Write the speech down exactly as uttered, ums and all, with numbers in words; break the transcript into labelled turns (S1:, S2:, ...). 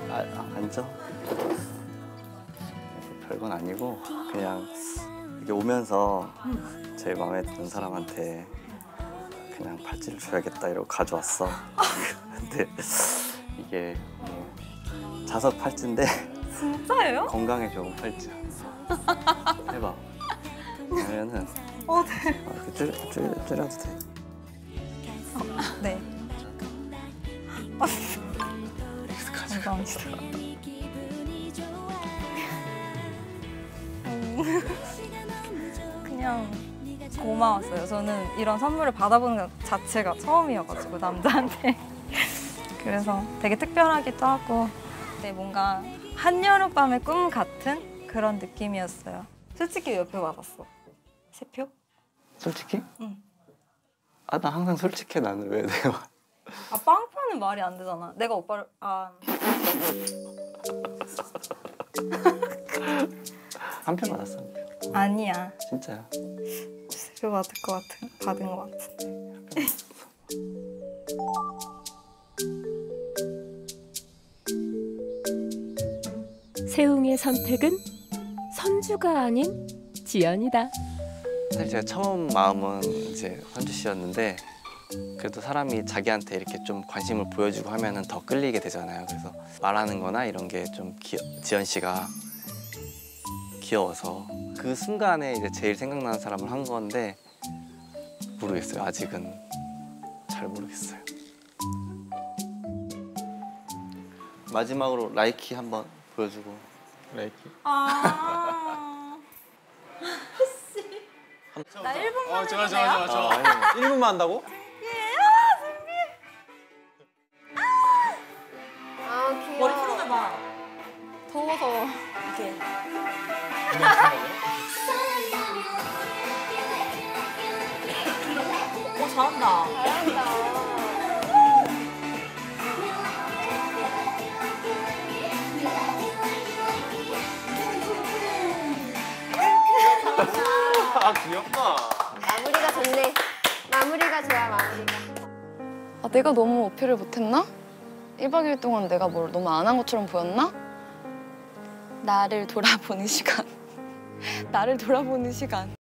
S1: 아, 아, 앉아. 별건 아니고 그냥 이게 오면서 제일 마음에 드는 사람한테 그냥 팔찌를 줘야겠다 이러고 가져왔어. 근데 이게 뭐 자석 팔찌인데
S2: 진짜예요?
S1: 건강에 좋은 팔찌야. 해봐. 그러면은
S2: 어, 네.
S1: 이렇게 줄, 줄, 줄여도 돼.
S2: 어, 네. 감사합니다. 그냥 고마웠어요. 저는 이런 선물을 받아보는 것 자체가 처음이어가지고 남자한테. 그래서 되게 특별하기도 하고 네, 뭔가 한여름밤의 꿈 같은 그런 느낌이었어요. 솔직히 몇 표 받았어? 세 표?
S1: 솔직히?
S2: 응.
S1: 아, 나 항상 솔직해. 나는 왜 내가
S2: 아, 빵표는 말이 안 되잖아. 내가 오빠를 아
S1: 한 표 받았어. 한 표.
S2: 아니야.
S1: 진짜야.
S2: 세 표 받을 것 같은 받은 것 같은데.
S3: 세웅의 선택은 선주가 아닌 지연이다.
S1: 사실 제가 처음 마음은 이제 선주 씨였는데 그래도 사람이 자기한테 이렇게 좀 관심을 보여주고 하면은 더 끌리게 되잖아요. 그래서 말하는 거나 이런 게 좀 지연 씨가 귀여워서 그 순간에 이제 제일 생각나는 사람을 한 건데 모르겠어요. 아직은 잘 모르겠어요. 마지막으로 라이키 한번 보여주고. 라이키?
S2: 아. 나 일 분만
S4: 어,
S2: 해도
S4: 좋아,
S2: 돼요?
S4: 좋아, 좋아, 좋아. 일 분만 한다고?
S5: 아, 귀여워.
S2: 머리 풀어내봐.
S5: 더워, 더워.
S2: 이렇게. 오, 잘한다.
S5: 잘한다.
S4: 아, 귀엽다.
S5: 마무리가 좋네. 마무리가 좋아, 마무리가. 아, 내가 너무 어필을 못했나? 일 박 이 일 동안 내가 뭘 너무 안 한 것처럼 보였나? 나를 돌아보는 시간. 나를 돌아보는 시간.